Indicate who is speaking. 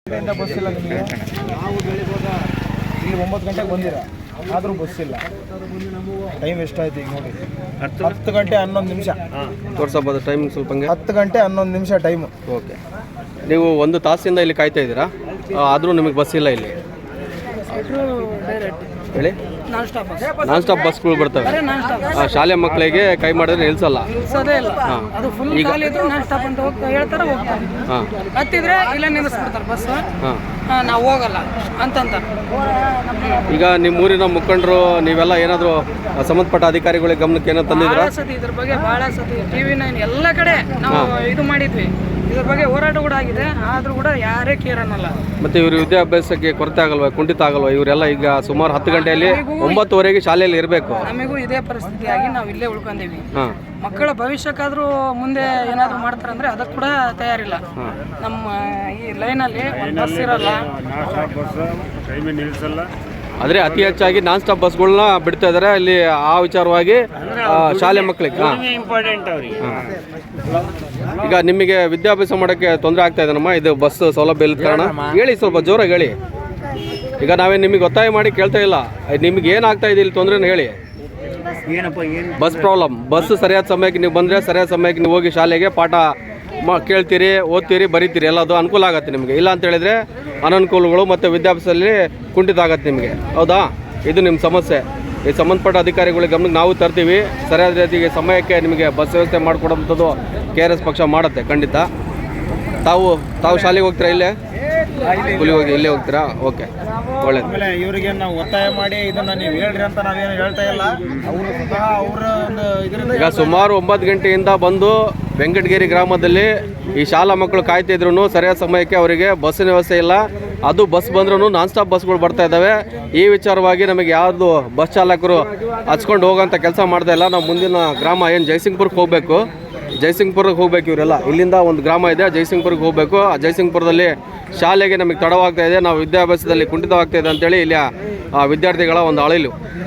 Speaker 1: Bus ಇಲ್ಲ ನಿಮಗೆ. ಇಲ್ಲಿ 9 ಗಂಟೆಗೆ ಬಂದಿರ, ಆದರೂ ಬಸ್ ಇಲ್ಲ. ಟೈಮ್ ಎಷ್ಟಾಯ್ತು ಈಗ ನೋಡಿ, 10 ಗಂಟೆ 11 ನಿಮಿಷ
Speaker 2: ತೋರಿಸಬಹುದು. ಟೈಮಿಂಗ್ ಸ್ವಲ್ಪ
Speaker 1: 10 ಗಂಟೆ 11 ನಿಮಿಷ ಟೈಮು.
Speaker 2: ಓಕೆ, ನೀವು 1 ತಾಸಿಂದ ಇಲ್ಲಿ ಕಾಯ್ತಾ ಇದ್ದೀರಾ, ಆದರೂ ನಿಮಗೆ ಬಸ್ ಇಲ್ಲ ಇಲ್ಲಿ ಹೇಳಿ? ನಾನ್ ಸ್ಟಾಪ್ ಬಸ್ಗಳು ಬರ್ತವೆ. ಶಾಲೆ ಮಕ್ಕಳಿಗೆ ಕೈ ಮಾಡಿದ್ರೆ ನಿಲ್ಸಲ್ಲ.
Speaker 3: ನಾವು ಹೋಗಲ್ಲ ಅಂತಂತಾರೆ.
Speaker 2: ಈಗ ನಿಮ್ಮ ಊರಿನ ಮುಖಂಡರು ನೀವೆಲ್ಲ ಏನಾದರೂ ಸಂಬಂಧಪಟ್ಟ ಅಧಿಕಾರಿಗಳಿಗೆ ಗಮನಕ್ಕೆ ಏನೋ ತಂದಿದ್ರ?
Speaker 3: ಇದ್ರ ಬಗ್ಗೆ ಬಹಳ ಸತಿ TV9 ಎಲ್ಲ ಕಡೆ ನಾವು ಇದು ಮಾಡಿದ್ವಿ. ಇದ್ರ ಬಗ್ಗೆ ಹೋರಾಟ ಕೂಡ ಆಗಿದೆ, ಆದ್ರೂ ಕೂಡ ಯಾರೇ ಕೇರ್ ಅನ್ನಲ್ಲ.
Speaker 2: ಮತ್ತೆ ಇವರು ವಿದ್ಯಾಭ್ಯಾಸಕ್ಕೆ ಕೊರತೆ ಆಗಲ್ವಾ, ಕುಂಠಿತ ಆಗಲ್ವಾ? ಇವರೆಲ್ಲ ಈಗ ಸುಮಾರು 10 ಗಂಟೆಯಲ್ಲಿ 9ವರೆಗೆ ಶಾಲೆಯಲ್ಲಿ ಇರಬೇಕು.
Speaker 3: ನಮಗೂ ಇದೇ ಪರಿಸ್ಥಿತಿಯಾಗಿ ನಾವು ಇಲ್ಲೇ ಉಳ್ಕೊಂಡಿವಿ. ಮಕ್ಕಳ ಭವಿಷ್ಯಕ್ಕಾದ್ರೂ ಮುಂದೆ ಏನಾದ್ರು ಮಾಡ್ತಾರಂದ್ರೆ ಅದಕ್ಕೆ ಕೂಡ ತಯಾರಿಲ್ಲ. ನಮ್ಮ ಈ ಲೈನಲ್ಲಿ ಬಸ್ ಇರಲ್ಲ,
Speaker 2: ಆದರೆ ಅತಿ ಹೆಚ್ಚಾಗಿ ನಾನ್ ಸ್ಟಾಪ್ ಬಸ್ಗಳನ್ನ ಬಿಡ್ತಾ ಇದ್ದಾರೆ ಇಲ್ಲಿ. ಆ ವಿಚಾರವಾಗಿ ಶಾಲೆ ಮಕ್ಕಳಿಗೆ
Speaker 4: ಇಂಪಾರ್ಟೆಂಟ್ ಅವ್ರಿಗೆ.
Speaker 2: ಈಗ ನಿಮಗೆ ವಿದ್ಯಾಭ್ಯಾಸ ಮಾಡೋಕ್ಕೆ ತೊಂದರೆ ಆಗ್ತಾ ಇದೆನಮ್ಮ, ಇದು ಬಸ್ ಸೌಲಭ್ಯ ಇಲ್ಲದ ಕಾರಣ? ಹೇಳಿ, ಸ್ವಲ್ಪ ಜೋರಾಗಿ ಹೇಳಿ. ಈಗ ನಾವೇ ನಿಮಗೆ ಒತ್ತಾಯ ಮಾಡಿ ಕೇಳ್ತಾ ಇಲ್ಲ, ನಿಮ್ಗೆ ಏನಾಗ್ತಾ ಇದೆ ಇಲ್ಲಿ ತೊಂದರೆನ ಹೇಳಿ. Bus problem. ಬಸ್ ಸರಿಯಾದ ಸಮಯಕ್ಕೆ ನೀವು ಬಂದರೆ ಸರಿಯಾದ ಸಮಯಕ್ಕೆ ನೀವು ಹೋಗಿ ಶಾಲೆಗೆ ಪಾಠ ಕೇಳ್ತೀರಿ, ಓದ್ತೀರಿ, ಬರೀತೀರಿ, ಎಲ್ಲದು ಅನುಕೂಲ ಆಗುತ್ತೆ ನಿಮಗೆ. ಇಲ್ಲ ಅಂತ ಹೇಳಿದರೆ ಅನನುಕೂಲಗಳು ಮತ್ತು ವಿದ್ಯಾಭ್ಯಾಸದಲ್ಲಿ ಕುಂಠಿತ ಆಗುತ್ತೆ ನಿಮಗೆ. ಹೌದಾ? ಇದು ನಿಮ್ಮ ಸಮಸ್ಯೆ. ಈ ಸಂಬಂಧಪಟ್ಟ ಅಧಿಕಾರಿಗಳಿಗೆ ಗಮನಕ್ಕೆ ನಾವು ತರ್ತೀವಿ. ಸರಿಯಾದ ರೀತಿಗೆ ಸಮಯಕ್ಕೆ ನಿಮಗೆ ಬಸ್ ವ್ಯವಸ್ಥೆ ಮಾಡಿಕೊಡೋಂಥದ್ದು KRS ಪಕ್ಷ ಮಾಡುತ್ತೆ ಖಂಡಿತ. ತಾವು ಶಾಲೆಗೆ ಹೋಗ್ತೀರಾ? ಇಲ್ಲೇ ಇಲ್ಲೇ ಹೋಗ್ತೀರಾ? ಓಕೆ, ಒಳ್ಳೇದು.
Speaker 1: ಆಮೇಲೆ ಇವರಿಗೆ ನಾವು ಒತ್ತಾಯ ಮಾಡಿ ಇದನ್ನ ನೀವು ಹೇಳ್ರಿ ಅಂತ ನಾವೇನು ಹೇಳ್ತಾ ಇಲ್ಲ. ಅವರು ಸ್ವತಃ ಅವರ ಒಂದು ಇದರಿಂದ
Speaker 2: ಈಗ ಸುಮಾರು 9 ಗಂಟೆಯಿಂದ ಬಂದು ವೆಂಕಟಗಿರಿ ಗ್ರಾಮದಲ್ಲಿ ಈ ಶಾಲಾ ಮಕ್ಕಳು ಕಾಯ್ತಿದ್ರು. ಸರಿಯಾದ ಸಮಯಕ್ಕೆ ಅವರಿಗೆ ಬಸ್ಸಿನ ವ್ಯವಸ್ಥೆ ಇಲ್ಲ. ಅದು ಬಸ್ ಬಂದ್ರೂ ನಾನ್ ಸ್ಟಾಪ್ ಬಸ್ಗಳು ಬರ್ತಾ ಇದ್ದಾವೆ. ಈ ವಿಚಾರವಾಗಿ ನಮಗೆ ಯಾವುದು ಬಸ್ ಚಾಲಕರು ಹಚ್ಕೊಂಡು ಹೋಗೋಂಥ ಕೆಲಸ ಮಾಡ್ತಾ ಇಲ್ಲ. ನಾವು ಮುಂದಿನ ಗ್ರಾಮ ಏನು ಜಯಸಿಂಗ್ಪುರಕ್ಕೆ ಹೋಗಬೇಕು, ಜಯಸಿಂಗ್ಪುರಕ್ಕೆ ಹೋಗ್ಬೇಕು. ಇವರೆಲ್ಲ ಇಲ್ಲಿಂದ ಒಂದು ಗ್ರಾಮ ಇದೆ, ಜಯಸಿಂಗ್ಪುರಕ್ಕೆ ಹೋಗಬೇಕು. ಆ ಜಯಸಿಂಗ್ಪುರದಲ್ಲಿ ಶಾಲೆಗೆ ನಮಗೆ ತಡವಾಗ್ತಾ ಇದೆ, ನಾವು ವಿದ್ಯಾಭ್ಯಾಸದಲ್ಲಿ ಕುಂಠಿತವಾಗ್ತಾ ಇದೆ ಅಂತೇಳಿ ಇಲ್ಲಿ ವಿದ್ಯಾರ್ಥಿಗಳ ಒಂದು ಅಳಿಲು.